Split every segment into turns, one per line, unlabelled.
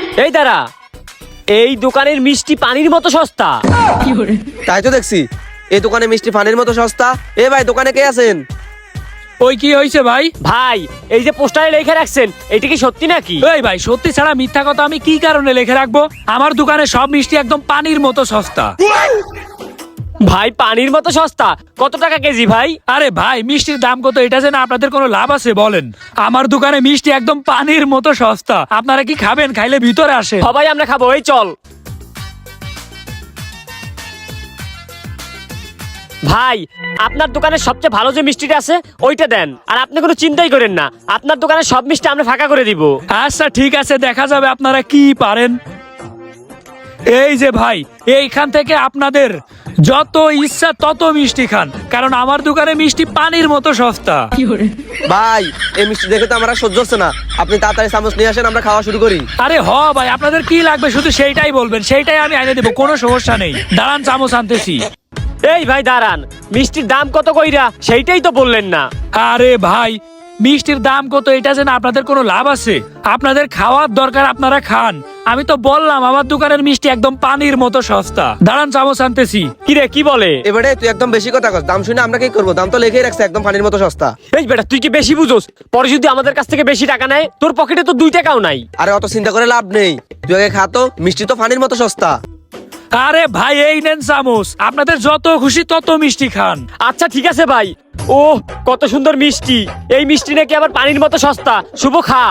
এই দাঁড়া, এই দোকানের মিষ্টি পানির মতো সস্তা।
তাই তো দেখছি, এই দোকানে মিষ্টি পানির মতো সস্তা। এ ভাই, দোকানে কে আছেন?
ওই কি হয়েছে ভাই?
ভাই, এই যে পোস্টারে লিখে রাখছেন, এটা কি সত্যি নাকি?
এই ভাই, সত্যি ছাড়া মিথ্যা কথা আমি কি কারণে লিখে রাখবো? আমার দোকানে সব মিষ্টি একদম পানির মতো সস্তা।
ভাই, পানির মতো সস্তা? কত টাকা কেজি ভাই?
আরে ভাই, মিষ্টির দাম কত এটা জেনে আপনাদের কোনো লাভ আছে বলেন? আমার দোকানে মিষ্টি একদম পানির মতো সস্তা। আপনারা কি খাবেন? খাইলে ভিতরে আসে।
সবাই আমরা খাবো, এই চল। ভাই, আপনার দোকানে সবচেয়ে ভালো যে মিষ্টিটা আছে ওইটা দেন, আর আপনি কোনো চিন্তাই করেন না, আপনার দোকানে সব মিষ্টি আমরা ফাঁকা করে দিব।
আচ্ছা ঠিক আছে, দেখা যাবে আপনারা কি পারেন। এই যে ভাই, এইখান থেকে আপনাদের যত ইচ্ছা তত মিষ্টি খান, কারণ আমার দোকানে মিষ্টি পানির মতো সস্তা।
ভাই, এই মিষ্টি দেখে তো আমরা সহ্য হচ্ছে না। আপনি তাড়াতাড়ি চামচ নিয়ে আসেন, আমরা খাওয়া শুরু করি।
আরে ভাই, আপনাদের কি লাগবে শুধু সেইটাই বলবেন, সেইটাই আমি এনে দেবো, কোনো সমস্যা নেই। দাঁড়ান, চামচ আনতেছি।
এই ভাই দাঁড়ান, মিষ্টির দাম কত কইরা সেইটাই তো বললেন না।
আরে ভাই, মিষ্টির দাম কত এটা জেনে আপনাদের কোনো লাভ আছে? আপনাদের খাওয়ার দরকার, আপনারা খান। আমি তো বললাম আমার দোকানের মিষ্টি একদম পানির মতো সস্তা। দাঁড়ান, চামচ আনতেছি।
কিরে, কি বলে?
এবারে তুই একদম বেশি কথা কস। দাম শুনে আমরা কি করবো? দাম তো লিখেই রাখছে একদম পানির মতো সস্তা।
এই বেটা, তুই কি বেশি বুঝোস? পরে যদি আমাদের কাছ থেকে বেশি টাকা নেয়, তোর পকেটে তো 2 টাকাও নাই।
আরে অত চিন্তা করে লাভ নেই, তুই আগে খা তো, মিষ্টি তো পানির মতো সস্তা।
আরে ভাই, এই নেন চামচ, আপনাদের যত খুশি তত মিষ্টি খান।
আচ্ছা ঠিক আছে ভাই। ও, কত সুন্দর মিষ্টি! এই মিষ্টি নাকি আবার পানির মতো সস্তা। শুভ, খা।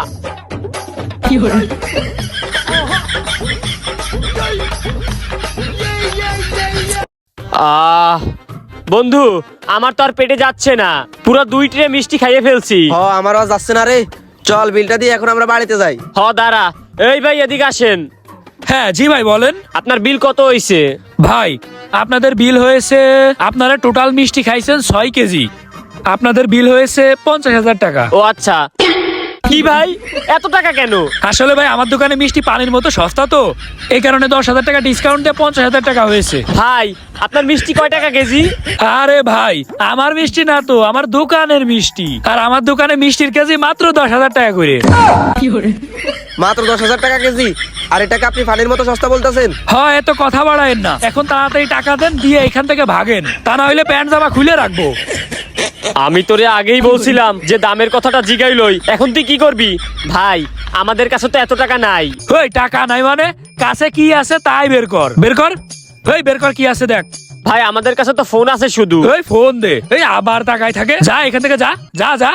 বন্ধু, আমার তো আর পেটে যাচ্ছে না, পুরো 2 ট্রে মিষ্টি খাইয়ে ফেলছি।
আমারও যাচ্ছে না রে। চল, বিলটা দিয়ে এখন আমরা বাড়িতে যাই।
দাঁড়া। এই ভাই, এদিকে আসেন।
হ্যাঁ জি ভাই, বলেন।
আপনার বিল কত হইছে?
ভাই, আপনাদের বিল হয়েছে, আপনারা টোটাল মিষ্টি খাইছেন 6 কেজি, আপনাদের বিল হয়েছে 50,000 টাকা।
ও আচ্ছা। কি ভাই, এত টাকা কেন?
আসলে ভাই, আমার দোকানে মিষ্টি পানির মতো সস্তা তো, এই কারণে 10,000 টাকা ডিসকাউন্ট দিয়ে 50,000 টাকা হয়েছে।
ভাই, আপনার মিষ্টি কয় টাকা কেজি?
আরে ভাই, আমার মিষ্টি না তো, আমার দোকানের মিষ্টি, আর আমার দোকানে মিষ্টির কেজি মাত্র 10,000 টাকা করে।
মাত্র 10,000 টাকা কেজি? আর এটাকে আপনি পানির মতো সস্তা বলতেছেন?
হয়, এত কথা বাড়ায়েন না, এখন তাড়াতাড়ি টাকা দেন, দিয়ে এখান থেকে ভাগেন, তা না হইলে প্যান্ট জামা খুলে রাখবো।
আমি তোরে আগেই বলছিলাম যে দামের কথাটা জিগাইলই, এখন তুই কি করবি? ভাই, আমাদের কাছে তো এত টাকা নাই।
ওই টাকা নাই মানে? কাছে কি আছে তাই বের কর, বের কর। ওই বের কর, কি আছে দেখ।
ভাই, আমাদের কাছে তো ফোন আছে শুধু।
ওই ফোন দে। এই আবার টাকায় থাকে, যা এখান থেকে, যা যা যা।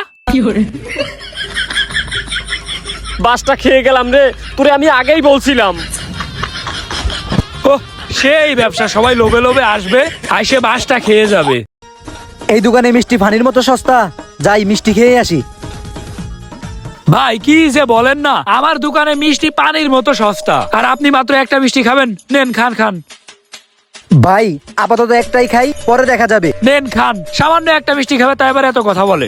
বাসটা খেয়ে গেলাম রে, তোরে আমি আগেই বলছিলাম।
ও, সেই ব্যবসা, সবাই লোভে লোভে আসবে, আইসে বাসটা খেয়ে যাবে।
এই দোকানে মিষ্টি পানির মতো সস্তা, যাই মিষ্টি খেয়ে আসি।
ভাই, কি যে বলেন না, আমার দোকানে মিষ্টি পানির মতো সস্তা, আর আপনি মাত্র একটা মিষ্টি খাবেন। নেন, খান খান।
ভাই, আপাতত একটাই খাই, পরে দেখা যাবে।
নেন, খান। সামান্য একটা মিষ্টি খাবে, তাই এবার এত কথা বলে।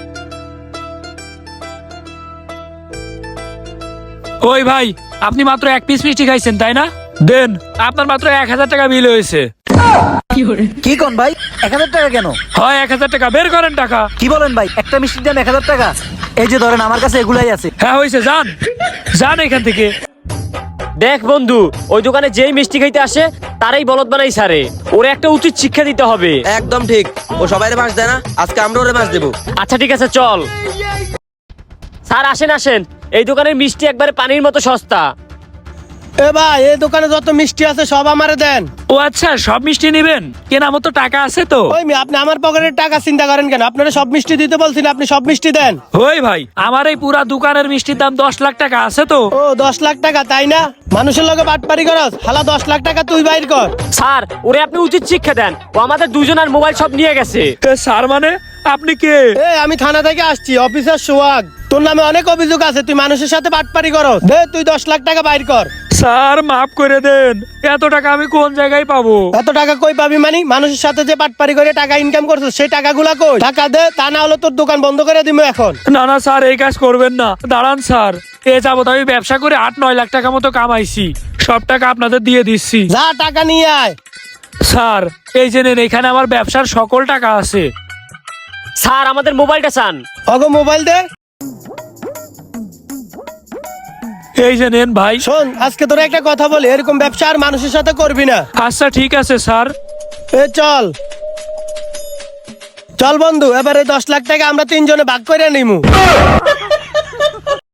ওই ভাই, আপনি মাত্র 1 পিস মিষ্টি খাইছেন তাই না? দেন, আপনার মাত্র 1,000 টাকা বিল হয়েছে।
কি কোন ভাই, 1,000 টাকা কেন?
হয় 1,000 টাকা, বের করেন টাকা।
কি বলেন ভাই, একটা মিষ্টির দাম 1,000 টাকা? এই যে ধরেন, আমার কাছে এগুলাই আছে।
হ্যাঁ হয়েছে, যান যান এখান থেকে।
দেখ বন্ধু, ওই দোকানে যেই মিষ্টি খাইতে আসে তারাই বলদ বানাই সারে। ওরে একটা উচিত শিক্ষা দিতে হবে।
একদম ঠিক, ও সবাইরে বাস দেয় না, আজকে আমরা ওরে বাস দেবো।
আচ্ছা ঠিক আছে, চল। স্যার আসেন আসেন, এই দোকানের মিষ্টি একবারে পানির মতো সস্তা।
এ ভাই, এই দোকানে যত মিষ্টি আছে সব আমারে দেন।
ও আচ্ছা, সব মিষ্টি নেবেন? কেনার মতো টাকা আছে তো?
ওই আপনি আমার পকেটের টাকা চিন্তা করেন কেন? আপনারা সব মিষ্টি দিতে বলছেন, আপনি সব মিষ্টি দেন।
ওই ভাই, আমার এই পুরা দোকানের মিষ্টির দাম 10 লাখ টাকা আছে তো।
ও 10 লাখ টাকা, তাই না? মানুষের লগে বাটপারি করস, হালা 10 লাখ টাকা তুই বাইর কর।
স্যার, ওরে আপনি উচিত শিক্ষা দেন, ও আমাদের দুজনের মোবাইল সব নিয়ে গেছে।
স্যার মানে? আপনি কে?
এ আমি থানা থেকে আসছি, অফিসার সোহাগ। তোর নামে অনেক অভিযোগ আছে, তুই মানুষের সাথে বাটপারি করস। দে তুই 10 লাখ টাকা বাইর কর।
স্যার, মাফ করে দেন, এত টাকা আমি কোন জায়গায় পাবো?
এত টাকা কই পাবি মানে? মানুষের সাথে যে বাটপারি করে টাকা ইনকাম করছিস, সেই টাকাগুলা কই? টাকা দে, তা না হলে তোর দোকান বন্ধ করে দিমু এখন।
না না স্যার, এই কাজ করবেন না। দাঁড়ান স্যার, এ যাবত আমি ব্যবসা করে 8-9 লাখ টাকা মতো কামাইছি, সব টাকা আপনাদের দিয়ে দিচ্ছি।
যা টাকা নিয়ে আয়।
স্যার, এই যে নেন, এখানে আমার ব্যবসার সকল টাকা আছে।
স্যার, আমাদের মোবাইলটা চান।
অগো মোবাইল দে।
এই যে নেন ভাই।
শোন, আজকে তোর একটা কথা বলি, এরকম ব্যবসা আর মানুষের সাথে করবি না।
আচ্ছা ঠিক আছে স্যার।
চল চল বন্ধু, এবারে 10 লাখ টাকা আমরা 3 জনে ভাগ করে নিমু।